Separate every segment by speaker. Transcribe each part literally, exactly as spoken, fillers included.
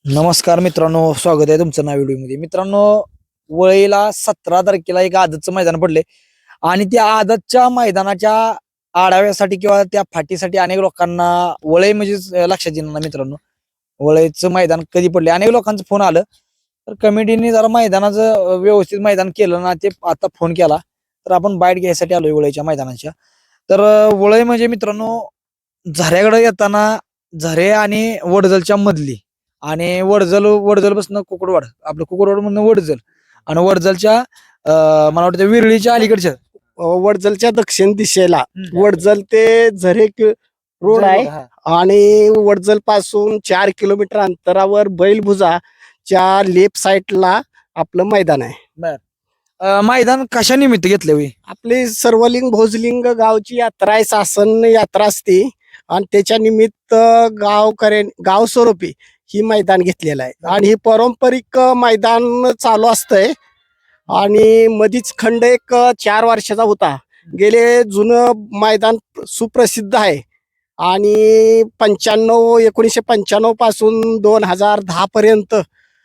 Speaker 1: नमस्कार मित्रांनो, स्वागत आहे तुमचं नव्या व्हिडिओमध्ये. मित्रांनो, वळीला सतरा तारखेला एक आदतचं मैदान पडले आणि त्या आदतच्या मैदानाच्या आढाव्यासाठी किंवा त्या फाटीसाठी अनेक लोकांना वळई म्हणजे लक्षात येणार नाही. मित्रांनो, वळईचं मैदान कधी पडले अनेक लोकांचं फोन आलं, तर कमिटीने जरा मैदानाचं व्यवस्थित मैदान केलं ना, ते आता फोन केला तर आपण बाईट घ्यायसाठी आलोय वळईच्या मैदानाच्या. तर वळई म्हणजे मित्रांनो, झऱ्याकडे येताना झरे आणि वडजलच्या मधली आणि वडजल वडजल बसणं कुकडवाड, आपलं कुकडवाड म्हणणं वडजल आणि वडजलच्या अं, मला वाटतं विरळीच्या अलीकडच्या
Speaker 2: वडजलच्या दक्षिण दिशेला वडजल ते झरे रोड आहे
Speaker 1: हा.
Speaker 2: आणि वडजल पासून चार किलोमीटर अंतरावर बैलभुजाच्या लेफ्ट साइडला आपलं मैदान आहे.
Speaker 1: अं, मैदान कशा निमित्त घेतले होई?
Speaker 2: आपली सर्वलिंग भोजलिंग गावची यात्रा आहे, शासन यात्रा असते आणि त्याच्या निमित्त गावकऱ्या गाव स्वरूपी ही मैदान घेतलेलं आहे आणि ही पारंपरिक मैदान चालू असतंय आणि मधीच खंड एक चार वर्षाचा होता. गेले जुनं मैदान सुप्रसिद्ध आहे आणि पंच्याण्णव एकोणीसशे पंच्याण्णव पासून दोन हजार दहा पर्यंत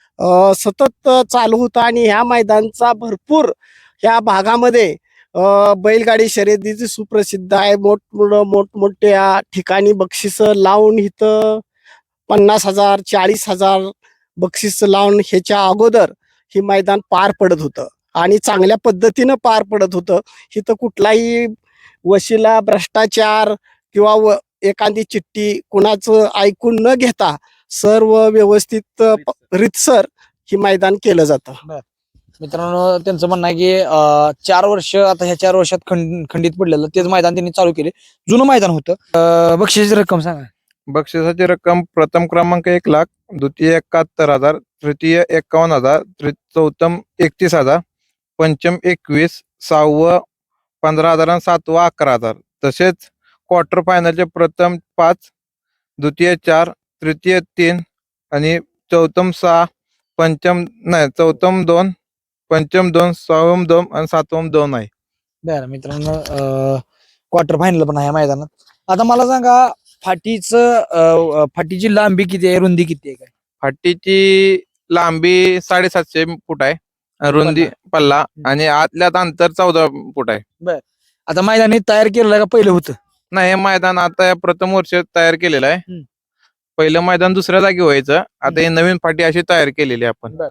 Speaker 2: अ, सतत चालू होता आणि ह्या मैदानचा भरपूर ह्या भागामध्ये अ, बैलगाडी शर्यतीची सुप्रसिद्ध आहे. मोठ मोठमोठ्या ठिकाणी बक्षीस लावून इथं पन्नास हजार चाळीस हजार बक्षीस लावून ह्याच्या अगोदर ही मैदान पार पडत होतं आणि चांगल्या पद्धतीनं पार पडत होतं. इथं कुठलाही वशिला भ्रष्टाचार किंवा व एखादी चिठ्ठी कुणाचं ऐकून न घेता सर्व व्यवस्थित रितसर ही मैदान केलं जातं.
Speaker 1: मित्रांनो, त्यांचं म्हणणं आहे की अं, चार वर्ष आता ह्या चार वर्षात खंड खंडित पडलेलं तेच मैदान त्यांनी चालू केले. जुनं मैदान होतं. अं, बक्षिसाची रक्कम सांगा.
Speaker 3: बक्षिसाची रक्कम प्रथम क्रमांक एक लाख, द्वितीय एकाहत्तर हजार, तृतीय एकावन्न हजार, तृ- चौथम एकतीस हजार, पंचम एकवीस, सहावं पंधरा हजार आणि सातवं अकरा हजार. तसेच क्वार्टर फायनलचे प्रथम पाच, द्वितीय चार, तृतीय तीन आणि चौथम सहा, पंचम नाही चौथम दोन, पंचम दोन, सहावम दोन आणि सातवम दोन आहे.
Speaker 1: बरं मित्रांनो, क्वार्टर फायनल पण आहे या मैदानात. आता मला सांगा, फाटीचं अं, फाटीची लांबी किती आहे, रुंदी किती आहे काय?
Speaker 3: फाटीची लांबी साडेसातशे फूट आहे, रुंदी पल्ला आणि आतल्यात अंतर चौदा फूट आहे.
Speaker 1: आता मैदान हे तयार केलेलं आहे का पहिलं होतं?
Speaker 3: नाही, हे मैदान आता या प्रथम वर्ष तयार केलेलं आहे.
Speaker 1: हम्म.
Speaker 3: पहिलं मैदान दुसऱ्या जागी व्हायचं, आता हे नवीन फाटी अशी तयार केलेली आहे आपण.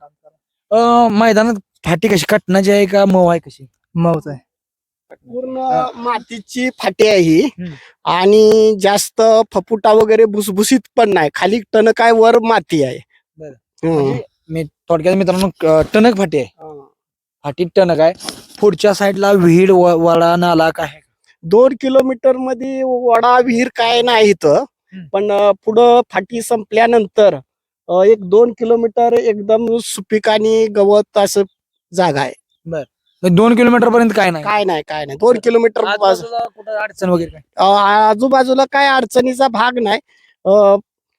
Speaker 1: अं, मैदानात फाटी कशी कटनाची आहे का मऊ आहे, कशी?
Speaker 2: मौज आहे. पूर्ण मातीची फाटी आहे ही
Speaker 1: हम्म.
Speaker 2: आणि जास्त फपुटा वगैरे भुसभुशीत पण नाही. खाली टणक आहे, वर माती आहे.
Speaker 1: बरं.
Speaker 2: हम्म.
Speaker 1: म्हणजे मी थोडक्यात मित्रांनो, अं, टणक फाटी आहे. फाटी टणक आहे. पुढच्या साईडला विहीर व- वडा नाला काय आहे?
Speaker 2: दोन किलोमीटर मध्ये वडा विहीर काय नाही इथं,
Speaker 1: हम्म.
Speaker 2: पण अं, पुढं फाटी संपल्यानंतर अं, एक दोन किलोमीटर एकदम सुपीक आणि गवत असं जागा आहे.
Speaker 1: म्हणजे दोन किलोमीटर पर्यंत काय नाही.
Speaker 2: काय नाही काय नाही दोन किलोमीटर बाजू-
Speaker 1: आजूबाजूला कुठं अडचण वगैरे काय?
Speaker 2: अं, आजूबाजूला काय अडचणीचा भाग नाही अं,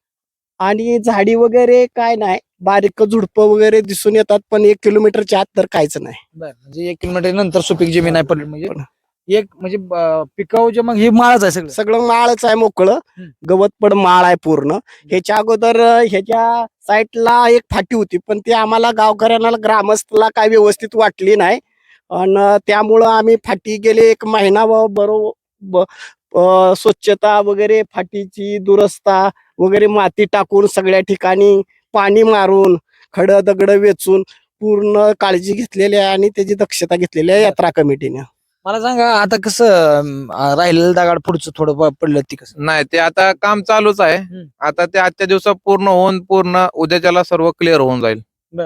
Speaker 2: आणि झाडी वगैरे काय नाही. बारीक झुडपं वगैरे दिसून येतात, पण एक किलोमीटरच्या आत तर काहीच नाही.
Speaker 1: बरं, म्हणजे एक किलोमीटर नंतर सुपीक जमीन आहे पडली, म्हणजे एक म्हणजे अं, पिकाऊच्या मग हे माळच आहे सगळं.
Speaker 2: सगळं माळच आहे, मोकळं
Speaker 1: हम्म.
Speaker 2: गवत पण माळ आहे पूर्ण. ह्याच्या अगोदर अं, ह्याच्या साईडला एक फाटी होती, पण ती आम्हाला गावकऱ्यांना ग्रामस्थला काय व्यवस्थित वाटली नाही आणि त्यामुळं आम्ही फाटी गेले एक महिना व बरोबर अं, स्वच्छता वगैरे फाटीची दुरस्ता वगैरे माती टाकून सगळ्या ठिकाणी पाणी मारून खड दगड वेचून पूर्ण काळजी घेतलेली आहे आणि त्याची दक्षता घेतलेली आहे यात्रा कमिटीने.
Speaker 1: मला सांगा, आता कसं अं, राहिलेलं दगड पुढचं थोडं प- पडलं ती कसं?
Speaker 3: नाही, ते आता काम चालूच आहे.
Speaker 1: हम्म.
Speaker 3: आता ते आजच्या दिवसात पूर्ण होऊन पूर्ण उद्याच्याला सर्व क्लिअर होऊन जाईल.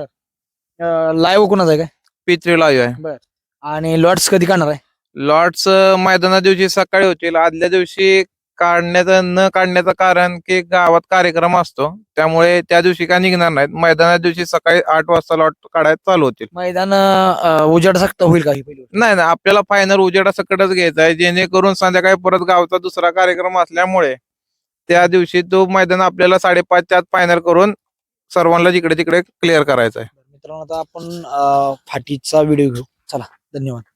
Speaker 1: लाईव्ह कोणाचं आहे काय?
Speaker 3: पित्री लाईव्ह आहे.
Speaker 1: आणि लॉट्स कधी काढणार आहे?
Speaker 3: लॉर्ड्स मैदाना दिवशी सकाळी होतील. आदल्या दिवशी काढण्याचं न काढण्याचं कारण की गावात कार्यक्रम असतो, त्यामुळे त्या दिवशी काय निघणार नाहीत. मैदाना दिवशी सकाळी आठ वाजता लॉट काढायला चालू होतील.
Speaker 1: मैदान अं, उजाड सकता होईल काही पहिली गोष्ट.
Speaker 3: नाही नाही, आपल्याला फायनल उजेडा सकटच घ्यायचा आहे, जेणेकरून संध्याकाळी परत गावचा दुसरा कार्यक्रम असल्यामुळे त्या दिवशी तो मैदान आपल्याला साडेपाचच्या आत फायनल करून सर्वांना जिकडे तिकडे क्लिअर करायचा आहे.
Speaker 1: मित्रांनो, आता आपण अं, फाटीचा व्हिडिओ घेऊ. चला, धन्यवाद.